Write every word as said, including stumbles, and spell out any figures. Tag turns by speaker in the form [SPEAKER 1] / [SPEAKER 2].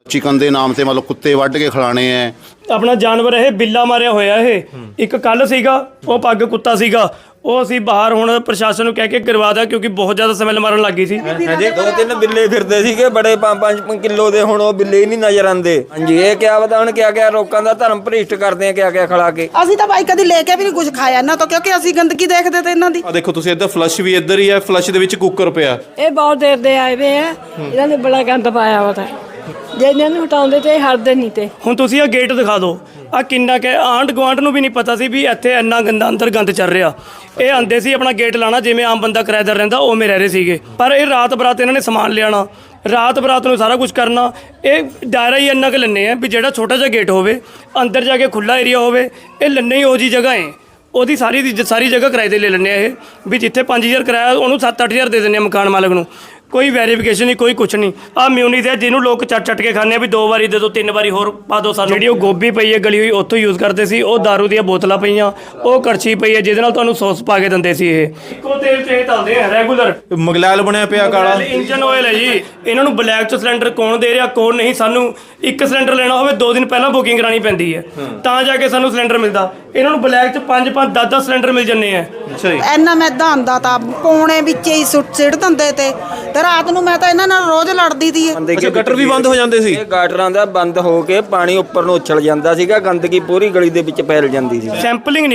[SPEAKER 1] Chicken के नाम से मतलब कुत्ते वढ़ के खिलाने हैं।
[SPEAKER 2] अपना जानवर ये बिल्ला मारिया होया ये एक कल सीगा वो पग कुत्ता सीगा वो असी बाहर हुण प्रशासन नूं कह के करवा दिया क्योंकि बहुत ज़्यादा स्मैल मारन लग गई सी।
[SPEAKER 3] ਹਾਂਜੀ ਦੋ ਤਿੰਨ ਬਿੱਲੇ ਫਿਰਦੇ ਸੀਗੇ ਬੜੇ ਪੰਜ ਪੰਜ ਕਿਲੋ ਦੇ ਹੁਣ ਉਹ ਬਿੱਲੇ ਹੀ ਨਹੀਂ ਨਜ਼ਰ ਆਉਂਦੇ। ਹਾਂਜੀ ਇਹ ਕਿਆ ਪਤਾ ਹੁਣ ਕਿਆ ਕਿਆ ਲੋਕਾਂ ਦਾ ਧਰਮ ਭ੍ਰਿਸ਼ਟ ਕਰਦੇ ਆ ਕਿਆ ਕਿਆ ਖਿਲਾ ਕੇ।
[SPEAKER 4] ਅਸੀਂ ਤਾਂ ਬਾਈ ਕਦੀ ਲੈ ਕੇ ਵੀ ਨਹੀਂ ਕੁਝ ਖਾਇਆ ਇਹਨਾਂ ਤੋਂ ਕਿਉਂਕਿ ਅਸੀਂ ਗੰਦਗੀ ਦੇਖਦੇ ਤੇ ਇਹਨਾਂ ਦੀ।
[SPEAKER 5] ਆ ਦੇਖੋ ਤੁਸੀਂ ਇੱਧਰ ਫਲਸ਼ ਵੀ ਇੱਧਰ ਹੀ ਹੈ, ਫਲਸ਼ ਦੇ ਵਿੱਚ ਕੁੱਕਰ ਪਿਆ।
[SPEAKER 6] ਇਹ ਬਹੁਤ ਦੇਰ ਦੇ ਆਏ ਵੇ ਆ ਇਹਨਾਂ ਨੇ ਬੜਾ ਗੰਦ ਪਾਇਆ ਵਾ ਤਾਂ ਜੇ ਇਹਨਾਂ ਨੂੰ ਹਟਾਉਂਦੇ ਤੇ ਹਟਦੇ ਨਹੀਂ ਤੇ।
[SPEAKER 2] ਹੁਣ ਤੁਸੀਂ ਆ ਗੇਟ ਦਿਖਾ ਦਿਓ ਆ ਕਿੰਨਾ ਕਿ ਆਂਢ ਗੁਆਂਢ ਨੂੰ ਵੀ ਨਹੀਂ ਪਤਾ ਸੀ ਵੀ ਇੱਥੇ ਇੰਨਾ ਗੰਦਾ ਅੰਦਰ ਗੰਦ ਚੱਲ ਰਿਹਾ। ਇਹ ਆਂਦੇ ਸੀ ਆਪਣਾ ਗੇਟ ਲਾਣਾ ਜਿਵੇਂ ਆਮ ਬੰਦਾ ਕਿਰਾਏਦਾਰ ਰਹਿੰਦਾ ਉਵੇਂ ਰਹਿ ਰਹੇ ਸੀਗੇ, ਪਰ ਇਹ ਰਾਤ ਬਰਾਤ ਇਹਨਾਂ ਨੇ ਸਮਾਨ ਲਿਆਣਾ ਰਾਤ ਬਰਾਤ ਨੂੰ ਸਾਰਾ ਕੁਝ ਕਰਨਾ। ਇਹ ਦਾਇਰਾ ਹੀ ਇੰਨਾ ਕੁ ਲੈਂਦੇ ਆ ਵੀ ਜਿਹੜਾ ਛੋਟਾ ਜਿਹਾ ਗੇਟ ਹੋਵੇ ਅੰਦਰ ਜਾ ਕੇ ਖੁੱਲ੍ਹਾ ਏਰੀਆ ਹੋਵੇ। ਇਹ ਲੰਨੇ ਹੀ ਉਹੋ ਜਿਹੀ ਜਗ੍ਹਾ ਹੈ ਉਹਦੀ ਸਾਰੀ ਦੀ ਸਾਰੀ ਜਗ੍ਹਾ ਕਿਰਾਏ 'ਤੇ ਲੈ ਲੈਂਦੇ ਆ ਇਹ ਵੀ ਜਿੱਥੇ ਪੰਜ ਹਜ਼ਾਰ ਕਿਰਾਇਆ ਉਹਨੂੰ ਸੱਤ ਅੱਠ ਹਜ਼ਾਰ ਦੇ ਦਿੰਦੇ ਆ ਮਕਾਨ ਮਾਲਕ ਨੂੰ। ਕੋਈ ਵੈਰੀਫਿਕੇਸ਼ਨ ਨਹੀਂ ਕੋਈ ਕੁਛ ਨਹੀਂ। ਆਹ ਮਿਊਨੀਸ ਹੈ ਜਿਹਨੂੰ ਲੋਕ ਚੱਟ ਚੱਟ ਕੇ ਖਾਂਦੇ ਆ ਵੀ ਦੋ ਵਾਰੀ ਦੇ ਦਿਓ ਤਿੰਨ ਵਾਰੀ ਹੋਰ ਪਾ ਦਿਓ ਸਾਨੂੰ। ਜਿਹੜੀ ਉਹ ਗੋਭੀ ਪਈ ਹੈ ਗਲੀ ਹੋਈ ਉੱਥੋਂ ਯੂਜ਼ ਕਰਦੇ ਸੀ। ਉਹ ਦਾਰੂ ਦੀਆਂ ਬੋਤਲਾਂ ਪਈਆਂ ਉਹ ਕੜਛੀ ਪਈ ਹੈ ਜਿਹਦੇ ਨਾਲ ਤੁਹਾਨੂੰ ਸੌਸ ਪਾ ਕੇ ਦਿੰਦੇ ਸੀ। ਇਹ ਇੱਕੋ ਤੇਲ 'ਚ ਇਹ ਤਲਦੇ ਆ ਰੈਗੂਲਰ।
[SPEAKER 5] ਮਗਲੈਲ ਬਣਿਆ ਪਿਆ ਕਾਲਾ
[SPEAKER 2] ਇੰਜਨ ਆਇਲ ਹੈ ਜੀ। ਇਹਨਾਂ ਨੂੰ ਬਲੈਕ 'ਚ ਸਿਲੰਡਰ ਕੌਣ ਦੇ ਰਿਹਾ ਕੌਣ ਨਹੀਂ। ਸਾਨੂੰ ਇੱਕ ਸਿਲੰਡਰ ਲੈਣਾ ਹੋਵੇ ਦੋ ਦਿਨ ਪਹਿਲਾਂ ਬੁਕਿੰਗ ਕਰਾਉਣੀ ਪੈਂਦੀ ਹੈ ਤਾਂ ਜਾ ਕੇ ਸਾਨੂੰ ਸਿਲੰਡਰ ਮਿਲਦਾ। ਇਹਨਾਂ ਨੂੰ ਬਲੈਕ 'ਚ ਪੰਜ ਪੰਜ ਦਸ ਦਸ ਸਿਲੰਡਰ ਮਿਲ ਜਾਂਦੇ ਆ।
[SPEAKER 5] ਅੱਛਾ ਜੀ
[SPEAKER 4] ਇੰਨਾ ਮੈਦਾ ਆਉਂਦਾ ਤਾਂ ਪੌਣੇ ਵਿੱਚ ਹੀ ਸੁੱਟ ਸਿੱਟ ਦਿੰਦੇ ਤੇ ਤੇ ਰਾਤ ਨੂੰ ਮੈਂ ਤਾਂ ਇਹਨਾਂ ਨਾਲ ਰੋਜ਼ ਲੜਦੀ ਤੀ।
[SPEAKER 5] ਅੱਛਾ ਗਟਰ ਵੀ ਬੰਦ ਹੋ ਜਾਂਦੇ ਸੀ।
[SPEAKER 3] ਇਹ ਗਾਟਰਾਂ ਦਾ ਬੰਦ ਹੋ ਕੇ ਪਾਣੀ ਉੱਪਰ ਨੂੰ ਉਛਲ ਜਾਂਦਾ ਸੀਗਾ, ਗੰਦਗੀ ਪੂਰੀ ਗਲੀ ਦੇ ਵਿੱਚ ਫੈਲ ਜਾਂਦੀ ਸੀ।
[SPEAKER 2] ਸੈਂਪਲਿੰਗ